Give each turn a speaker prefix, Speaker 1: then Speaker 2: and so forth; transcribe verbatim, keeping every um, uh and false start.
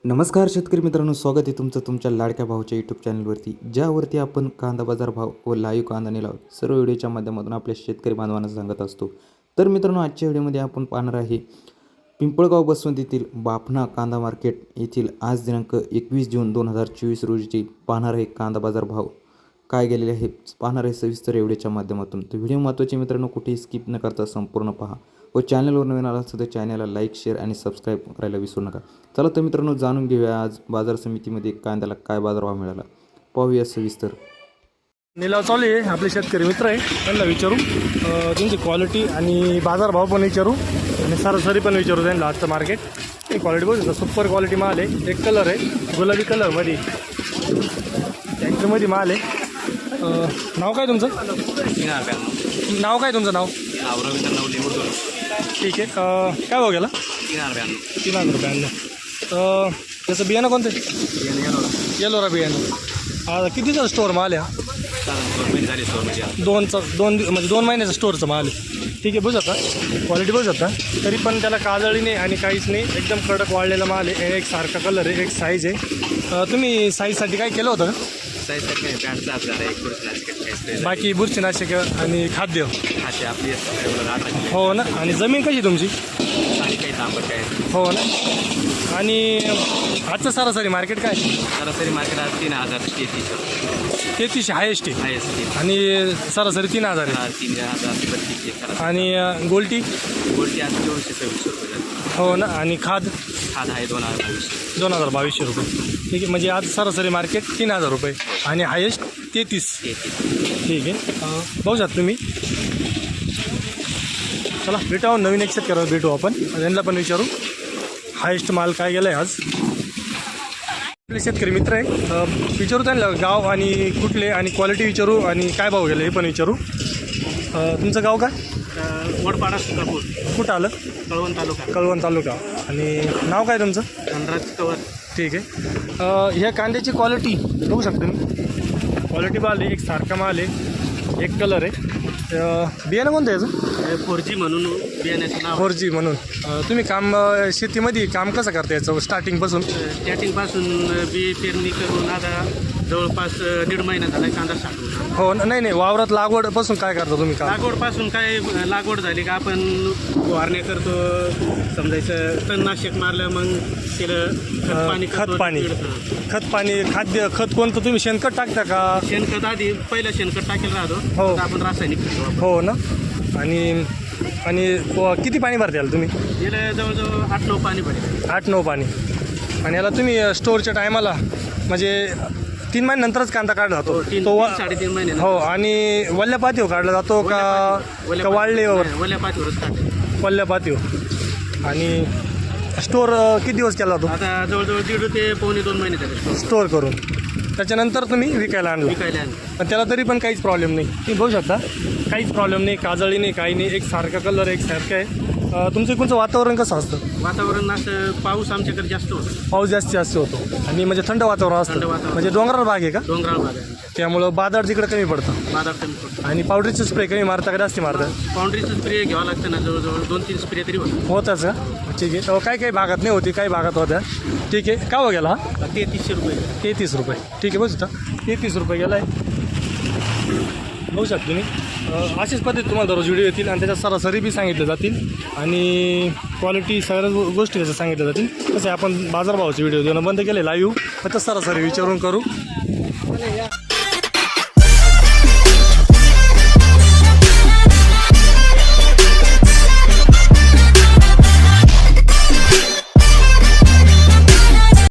Speaker 1: नमस्कार शेतकरी मित्रांनो, स्वागत आहे तुमचं तुमच्या लाडक्या भाऊच्या यूट्यूब चॅनलवरती, ज्यावरती आपण कांदा बाजार भाव व लाईव्ह कांदा निलाव सर्व व्हिडिओच्या माध्यमातून आपल्या शेतकरी बांधवांना सांगत असतो। तर मित्रांनो, आजच्या व्हिडिओमध्ये आपण पाहणार आहे पिंपळगाव बसवंत येथील बाफना कांदा मार्केट येथील आज दिनांक एकवीस जून दोन हजार चोवीस रोजीची पाहणार आहे कांदा बाजार भाव काय गेलेले आहे पाहणार आहे सविस्तर व्हिडिओच्या माध्यमातून। तर व्हिडिओ महत्त्वाचे मित्रांनो, कुठेही स्किप न करता संपूर्ण पहा व चॅनलवर नवीन आला असेल तर चॅनलला लाईक शेअर आणि सबस्क्राईब करायला विसरू नका। चला तर मित्रांनो, जाणून घेऊया आज बाजार समितीमध्ये कांद्याला काय बाजारभाव मिळाला, पाहूया सविस्तर।
Speaker 2: निलाव चालू आहे, आपले शेतकरी मित्र आहे त्यांना विचारू, त्यांची क्वालिटी आणि बाजारभाव पण विचारू आणि सरासरी पण विचारू त्यांना। आजचं मार्केट ही क्वालिटी बघू, सुपर क्वालिटी माल आहे, एक कलर आहे गुलाबी कलरमध्ये, टँकमध्ये माल आहे। नाव काय तुमचं? नाव काय तुमचं? नाव ठीक आहे। काय भाव गेला? तीन हजार रुपयांना। तर त्याचं बियाणं कोणतं? येलोरा बियाणं। आता कितीचा स्टोअर माल आहे? दोनचा दोन म्हणजे दोन महिन्याचा स्टोअरचा माल आहे। ठीक आहे, बघू शकता क्वालिटी बघू शकता, तरी पण त्याला काजळी नाही आणि काहीच नाही, एकदम कडक वाढलेला माल आहे। एक सारखा कलर आहे, एक साईज आहे। तुम्ही साईजसाठी काय केलं होतं का? बाकी बुरशीनाशक आणि खाद्य हो ना। आणि जमीन कशी तुमची? हो ना। आणि आजचं सरासरी मार्केट काय?
Speaker 3: सरासरी मार्केट आज तीन हजार तेहतीस
Speaker 2: तेहतीसशे हायेस्ट आहे
Speaker 3: हायेस्ट
Speaker 2: आणि सरासरी तीन हजार आहे।
Speaker 3: तीन हजार बत्तीसशे
Speaker 2: आणि गोल्टी
Speaker 3: गोल्टी आज चोवीसशे सव्वीसशे रुपये
Speaker 2: हो ना। आणि खाद
Speaker 3: खाद आहे दोन हजार बावीसशे
Speaker 2: दोन हजार बावीसशे रुपये। ठीक आहे, म्हणजे आज सरासरी मार्केट तीन हजार रुपये आणि हायेस्ट तेहतीस। ठीक आहे, बघू शकता तुम्ही। चला भेटावं, नवीन एक्सेप्ट करा, भेटू आपण, त्यांना पण विचारू हायेस्ट माल काय गेला आहे आज। आपले शेतकरी मित्र आहे, विचारू त्यांना गाव आणि कुठले आणि क्वालिटी विचारू आणि काय भाव गेले हे पण विचारू। तुमचं गाव काय?
Speaker 3: वडपाडा सुकापूर।
Speaker 2: कुठं आलं?
Speaker 3: कळवण तालुका।
Speaker 2: कळवण तालुका। आणि नाव काय तुमचं?
Speaker 3: धनराज कवर।
Speaker 2: ठीक आहे, ह्या कांद्याची क्वालिटी बघू शकता मी, क्वालिटी माल आहे, एक सारखा माल आहे, एक कलर आहे। बियाणं कोणतं आहे याचं?
Speaker 3: फोर जी म्हणून बियाण्याचं नाव।
Speaker 2: फोर जी म्हणून। तुम्ही काम शेतीमध्ये काम कसं करता याचं स्टार्टिंगपासून?
Speaker 3: स्टार्टिंगपासून बी पेरणी करून आता जवळपास दीड महिना झाला कांदा साठवून।
Speaker 2: हो नाही नाही, वावरात लागवडपासून काय करता तुम्ही काम?
Speaker 3: लागवडपासून काय लागवड झाली का आपण फवारण्या करतो, समजायचं तणनाशक मारलं, मग त्याला पाणी
Speaker 2: खत पाणी खत पाणी खाद्य खत कोणतं तुम्ही शेणखत टाकता का?
Speaker 3: शेणखत आधी पहिलं शेणखत टाकेल राहतो,
Speaker 2: हो
Speaker 3: आपण रासायनिक
Speaker 2: हो ना। आणि आणि किती पाणी भरता याला तुम्ही?
Speaker 3: याला जवळजवळ आठ नऊ पाणी पडेल।
Speaker 2: आठ नऊ पाणी। आणि याला तुम्ही स्टोअरच्या टायमाला म्हणजे तीन महिन्यानंतरच कांदा काढला जातो तो?
Speaker 3: साडेतीन महिने
Speaker 2: हो। आणि वल्ल्या पातीवर काढला जातो का वाळलेवर?
Speaker 3: वल्ल्या पातीवरच काढते,
Speaker 2: वल्ल्या पातीवर। आणि स्टोअर किती दिवस केला जातो?
Speaker 3: आता जवळजवळ दीड ते पावणे दोन महिने झाले
Speaker 2: स्टोअर करून, त्याच्यानंतर तुम्ही विकायला आणलं?
Speaker 3: विकायला आणलं,
Speaker 2: पण त्याला तरी पण काहीच प्रॉब्लेम नाही, तुम्ही बघू शकता, काहीच प्रॉब्लेम नाही, काजळी नाही, काही नाही, एक सारखा कलर, एक सारखं आहे। तुमचं कोणचं वातावरण कसं असतं?
Speaker 3: वातावरण असं पाऊस आमच्याकडे जास्त होतो,
Speaker 2: पाऊस जास्तीत जास्त होतो आणि म्हणजे थंड वातावरण असतं,
Speaker 3: थंड वातावरण,
Speaker 2: म्हणजे डोंगराळ भाग आहे का?
Speaker 3: डोंगराळ भाग आहे,
Speaker 2: त्यामुळं बाजार तिकडे कमी पडतं,
Speaker 3: बाजार कमी पडतो।
Speaker 2: आणि पावडरचे स्प्रे कमी मारता का जास्ती मारतं?
Speaker 3: पावडरीचं स्प्रे घ्यावं लागतं ना, जवळजवळ दोन तीन स्प्रे तरी होतं।
Speaker 2: होताच का? ठीक आहे, काही काही भागात नाही होती, काही भागात होत्या। ठीक आहे, का हो गेला हा?
Speaker 3: तेहतीसशे रुपये
Speaker 2: तेहतीस रुपये ठीक आहे, बघू शकता तेहतीस रुपये गेला आहे, बघू शकता तुम्ही। अशीच पद्धती तुम्हाला दररोज व्हिडिओ येतील आणि त्याच्यात सरासरी बी सांगितले जातील आणि क्वालिटी सगळ्या गोष्टी त्याच्यात सांगितल्या जातील। तसे आपण बाजारभावाचे व्हिडिओ देणं बंद केले लाईव्ह, फक्त सरासरी विचारून करू।